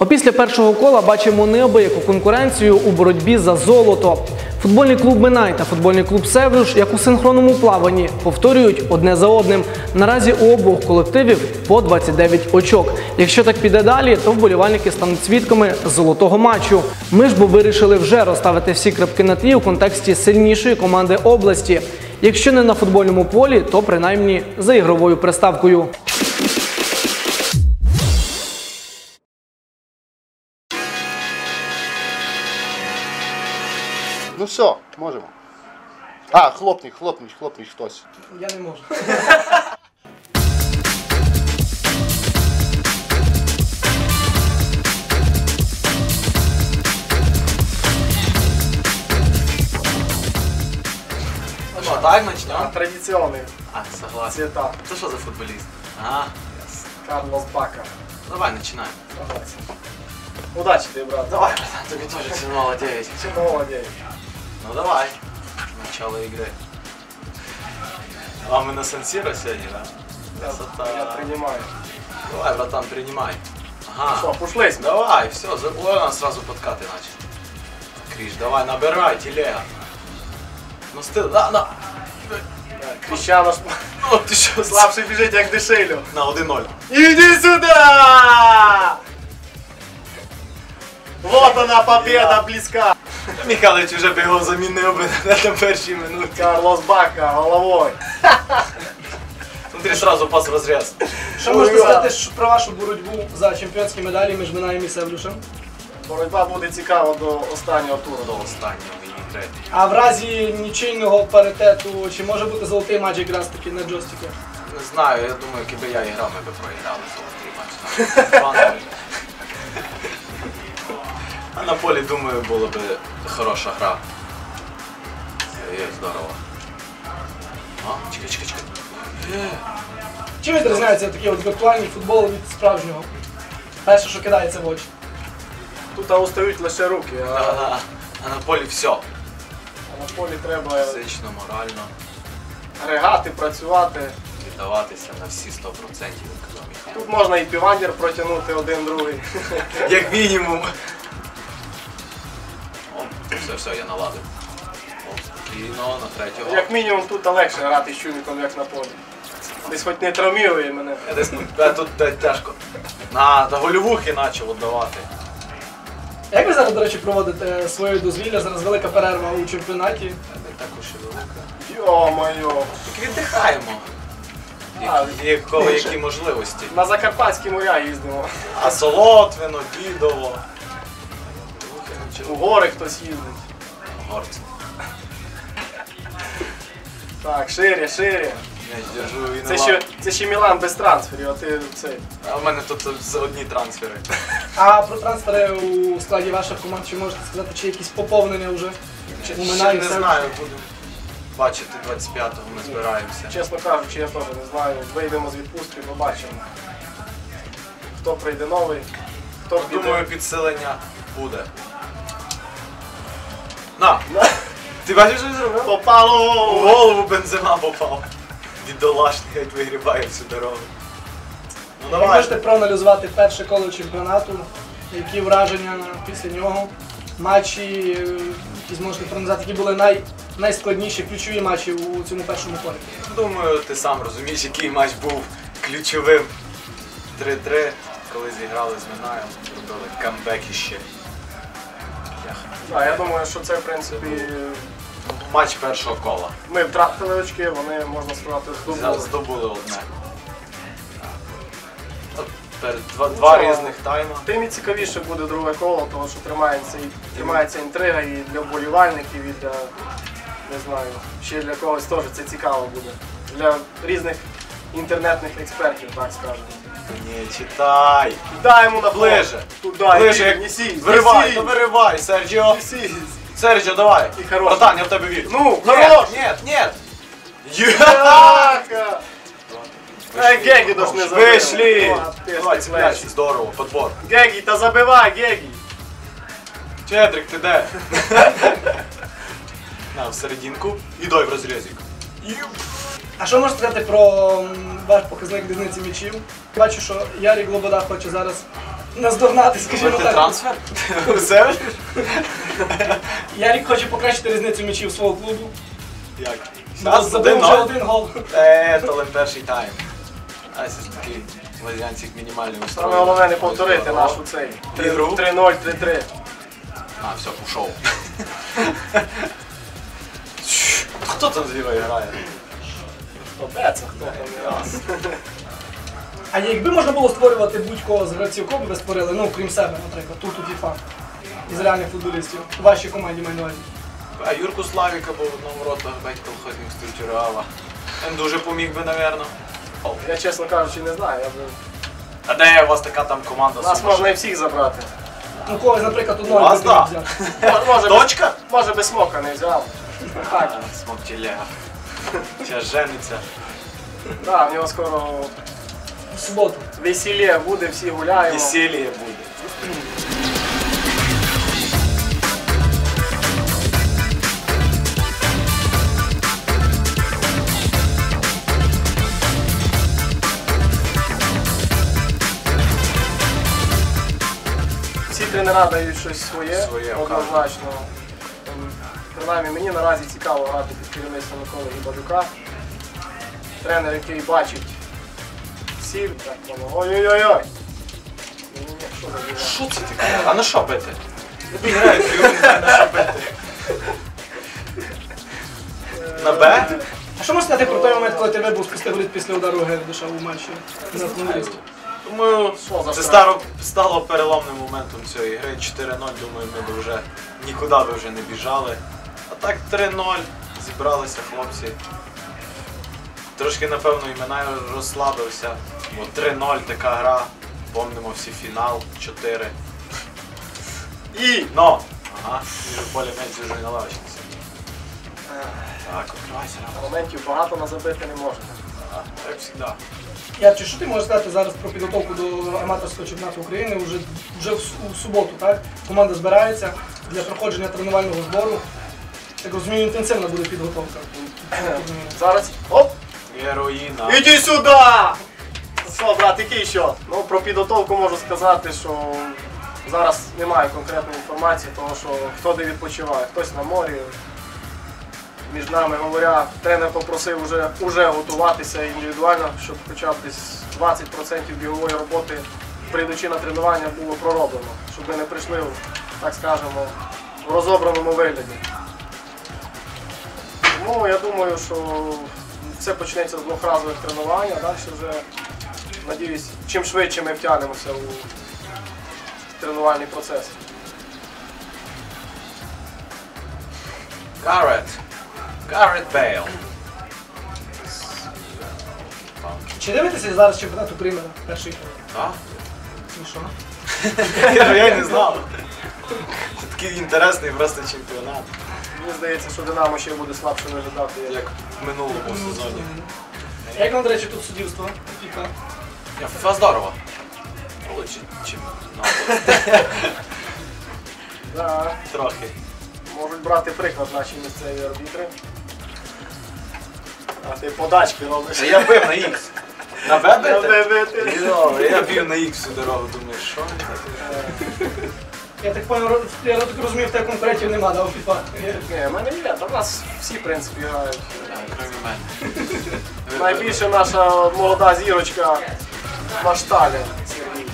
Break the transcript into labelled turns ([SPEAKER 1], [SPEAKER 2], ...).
[SPEAKER 1] Опісля першого кола бачимо неабияку конкуренцію у боротьбі за золото. Футбольний клуб «Минай» та футбольний клуб «Севлюш», як у синхронному плаванні, повторюють одне за одним. Наразі у обох колективів по 29 очок. Якщо так піде далі, то вболівальники стануть свідками золотого матчу. Ми ж бо вирішили вже розставити всі крапки над «і» у контексті сильнішої команди області. Якщо не на футбольному полі, то принаймні за ігровою приставкою.
[SPEAKER 2] Ну все, можемо. А, хлопніть хтось.
[SPEAKER 1] Я не можу.
[SPEAKER 3] Ну что, так начнем?
[SPEAKER 4] Традиционный
[SPEAKER 3] Согласен.
[SPEAKER 4] цвета.
[SPEAKER 3] Ты что за футболист?
[SPEAKER 4] Карлос Бака.
[SPEAKER 3] Давай, начинаем.
[SPEAKER 4] Согласен. Удачи тебе, брат.
[SPEAKER 3] Давай, братан, тебе тоже тянуло 9.
[SPEAKER 4] Чего день.
[SPEAKER 3] Ну давай. Начало игры. А мы на Сан-Сиро сегодня, да? Красота.
[SPEAKER 4] Я принимаю.
[SPEAKER 3] Давай, братан, принимай. Ага.
[SPEAKER 4] Что, пушлись?
[SPEAKER 3] Давай, все, ой, у нас сразу подкаты начали. Криш, давай, набирай, телега. Ну стыл, на.
[SPEAKER 4] Крещано,
[SPEAKER 3] Ну ты что,
[SPEAKER 4] слабший біжить, як дешелю.
[SPEAKER 3] На 1-0.
[SPEAKER 4] Иди сюда! Вот она, победа близка.
[SPEAKER 3] Михайлович вже бігав замінив би на першій минуті.
[SPEAKER 4] Карлос Бака головой.
[SPEAKER 3] Смотри, сразу пас в розріз.
[SPEAKER 1] Що можете сказати про вашу боротьбу за чемпіонські медалі між «Минаєм» і «Севлюшем»?
[SPEAKER 4] Боротьба буде цікава до останнього туру.
[SPEAKER 3] До останнього і третій.
[SPEAKER 1] А в разі нічийного паритету, чи може бути золотий матч якраз таки на джойстику?
[SPEAKER 3] Не знаю, я думаю, якби я грав, ми б проіграли золотий матч. А на полі, думаю, була б хороша гра. Є, здорово. А, чекай.
[SPEAKER 1] Чим відрізняється такий от віртуальний футбол від справжнього? Перше, що кидається в очі.
[SPEAKER 4] Тут устають лише руки,
[SPEAKER 3] А на полі все.
[SPEAKER 4] а на полі треба
[SPEAKER 3] Фізично, морально.
[SPEAKER 4] ригати, працювати.
[SPEAKER 3] Віддаватися на всі 100%, як казав Михайло.
[SPEAKER 4] Тут можна і півандір протягнути один-другий.
[SPEAKER 3] Як мінімум. Все, я наладив. Спокійно, на третього.
[SPEAKER 4] Як мінімум тут легше грати з Чуміком, як на полі. Десь хоч не травмірує мене.
[SPEAKER 3] Тут тяжко. На гольовухи почав віддавати.
[SPEAKER 1] Як ви зараз, до речі, проводите своє дозвілля? Зараз велика перерва у чемпіонаті.
[SPEAKER 3] Не також і велика.
[SPEAKER 4] Йо-моє.
[SPEAKER 3] Так віддихаємо. Які можливості.
[SPEAKER 4] На Закарпатські моря їздимо.
[SPEAKER 3] А Солотвино, Дідово.
[SPEAKER 4] У гори хтось їздить.
[SPEAKER 3] Горці.
[SPEAKER 4] Так, шире.
[SPEAKER 3] Я держу і
[SPEAKER 4] Це ще Мілан без трансферів, а ти цей.
[SPEAKER 3] А в мене тут одні трансфери.
[SPEAKER 1] А про трансфери у складі ваших команд, чи можете сказати, чи якісь поповнення вже?
[SPEAKER 3] Ще
[SPEAKER 1] У «Минаї»
[SPEAKER 3] не знаю, будемо бачити 25-го, ми збираємося.
[SPEAKER 4] Чесно кажучи, я теж не знаю. Вийдемо з відпустки, побачимо. Хто прийде новий, хто піде.
[SPEAKER 3] Думаю, підсилення буде. На! Ти бачиш, що я зробив?
[SPEAKER 4] Попало!
[SPEAKER 3] У голову Бензема попав. Бідолашний, геть вигрібає всю дорогу. Ну
[SPEAKER 1] Ви можете проаналізувати перше коло чемпіонату, які враження після нього, матчі, які зможете проаналізувати, які були найскладніші, ключові матчі у цьому першому колі.
[SPEAKER 3] Думаю, ти сам розумієш, який матч був ключовим. 3-3, коли зіграли з «Минаєм», зробили камбекіще.
[SPEAKER 4] А я думаю, що це в принципі
[SPEAKER 3] Матч першого кола.
[SPEAKER 4] ми втратили очки, вони, можна сказати, здобули.
[SPEAKER 3] Здобули одне. От два різних тайма.
[SPEAKER 4] Тим і цікавіше буде друге коло, тому що тримається інтрига і для вболівальників, і для, не знаю, ще для когось теж це цікаво буде. Для різних інтернетних експертів, так скажемо.
[SPEAKER 3] Не читай.
[SPEAKER 4] Дай йому на
[SPEAKER 3] Ближе.
[SPEAKER 4] Туди,
[SPEAKER 3] Ближе, як
[SPEAKER 4] несись.
[SPEAKER 3] виривай, то виривай, Серджіо.
[SPEAKER 4] Несись.
[SPEAKER 3] Серджіо, давай.
[SPEAKER 4] І хорош.
[SPEAKER 3] Братан, я в тебе вірю.
[SPEAKER 4] Ну,
[SPEAKER 3] Нет,
[SPEAKER 4] хорош.
[SPEAKER 3] нет.
[SPEAKER 4] Яка! Гегі дож не забив.
[SPEAKER 3] Вийшли.
[SPEAKER 4] О,
[SPEAKER 3] Давай,
[SPEAKER 4] після
[SPEAKER 3] цепляйся,
[SPEAKER 4] плечі.
[SPEAKER 3] здорово, подбор.
[SPEAKER 4] Гегі, та забивай, Гегі!
[SPEAKER 3] Чедрик, ти де? На, в серединку. І дай в розрізик.
[SPEAKER 1] А що можете сказати про ваш показник різниці м'ячів? Бачу, що Ярик Лобода хоче зараз наздогнати, скажімо
[SPEAKER 3] Робити
[SPEAKER 1] так.
[SPEAKER 3] трансфер? Усе?
[SPEAKER 1] Ярік хоче покращити різницю м'ячів свого клубу.
[SPEAKER 3] Як?
[SPEAKER 1] Забив вже один гол.
[SPEAKER 3] То лише перший тайм. А це такий лазянцик мінімальний устрой.
[SPEAKER 4] Саме головне не повторити нашу цей.
[SPEAKER 3] Ігру?
[SPEAKER 4] 3-0, 3-3.
[SPEAKER 3] А, все, пішов. Хто там зліва грає?
[SPEAKER 4] Де це хто там?
[SPEAKER 1] А якби можна було створювати будь-кого з гравців, кого б ви створили, ну крім себе, наприклад, тут у FIFA, із реальних футболістів, у вашій команді маю на увазі.
[SPEAKER 3] А Юрку Славіка був в одному ротах, батько колхозник з Турчуреала. Він дуже поміг би, напевно.
[SPEAKER 4] Я, чесно кажучи, не знаю.
[SPEAKER 3] А де у вас така там команда?
[SPEAKER 4] Нас можна і всіх забрати.
[SPEAKER 1] Ну когось, наприклад, одного
[SPEAKER 3] Вас,
[SPEAKER 1] людину
[SPEAKER 3] да.
[SPEAKER 1] взяти.
[SPEAKER 3] Точка?
[SPEAKER 4] Може би Смока не взяв. Так,
[SPEAKER 3] Смок телега. Зараз жениться.
[SPEAKER 4] да, в нього скоро
[SPEAKER 1] В суботу.
[SPEAKER 4] весілля буде, всі гуляємо.
[SPEAKER 3] Весілля буде.
[SPEAKER 4] Всі тренера дають щось своє,
[SPEAKER 3] Своє,
[SPEAKER 4] однозначно. Принаймні мені наразі цікаво грати під керівництвом Миколи Гібадюка. Тренер, який бачить ціль, так воно. Ой-ой-ой! Ні-ні-ні, що за діла?
[SPEAKER 3] Що це таке? А на що бити? Тобі грають, я не знаю, на що бити. На Б?
[SPEAKER 1] А що можна сказати про той момент, коли ти вибув спустив воріт після удару Гердиша у матчі на футболістів?
[SPEAKER 3] Думаю,
[SPEAKER 4] Що за
[SPEAKER 3] це
[SPEAKER 4] справа?
[SPEAKER 3] стало переломним моментом цієї гри. 4-0, думаю, ми б вже нікуди би вже не біжали. А так 3-0, зібралися хлопці. Трошки, напевно, і мене розслабився. Бо 3-0 така гра. Помнимо всі фінал 4. І! Но! Ага, між полі м'яч дуже на лавочці. Так, відкривайся.
[SPEAKER 4] Моментів багато на забити не можна.
[SPEAKER 3] Як завжди.
[SPEAKER 1] Ярче, що ти можеш сказати зараз про підготовку до аматорського чемпіонату України? Вже у суботу, так? Команда збирається для проходження тренувального збору. Так розумію, інтенсивна буде підготовка.
[SPEAKER 4] Зараз. Оп!
[SPEAKER 3] Героїна.
[SPEAKER 4] Іди сюди! Що, брат, який що? Ну, про підготовку можу сказати, що зараз немає конкретної інформації, тому що хто де відпочиває, хтось на морі. Між нами говоря, тренер попросив уже готуватися індивідуально, щоб хоча б десь 20% бігової роботи, прийдучи на тренування, було пророблено, щоб ми не прийшли, так скажемо, в розобраному вигляді. Тому я думаю, що все почнеться з двохразових тренувань, а далі вже, надіюсь, чим швидше ми втягнемося у тренувальний процес.
[SPEAKER 3] Гаррет Бейл.
[SPEAKER 1] Чи дивитеся зараз чемпіонат України перший?
[SPEAKER 3] Так?
[SPEAKER 1] І що?
[SPEAKER 3] Я не знав. Це такий інтересний просто чемпіонат,
[SPEAKER 4] Мені здається, що Динамо ще буде слабше виглядати.
[SPEAKER 3] як в минулому сезоні.
[SPEAKER 1] Як вам, до речі, тут суддівство? FIFA?
[SPEAKER 3] FIFA здорово. Лучше, чим
[SPEAKER 4] Да,
[SPEAKER 3] трохи.
[SPEAKER 4] можуть брати приклад наші місцеві арбітри. А ти подачки робиш.
[SPEAKER 3] Я бив на X. На Б бити?
[SPEAKER 4] бити.
[SPEAKER 3] Йо, я бив на X всю дорогу, думаю, що він таке?
[SPEAKER 1] Я так розумію, в тебе конкурентів нема, да, у FIFA?
[SPEAKER 4] Ні, в мене є, та в нас всі, в принципі, грають.
[SPEAKER 3] Крім мене.
[SPEAKER 4] Найбільше наша молода зірочка Машталя Сергій.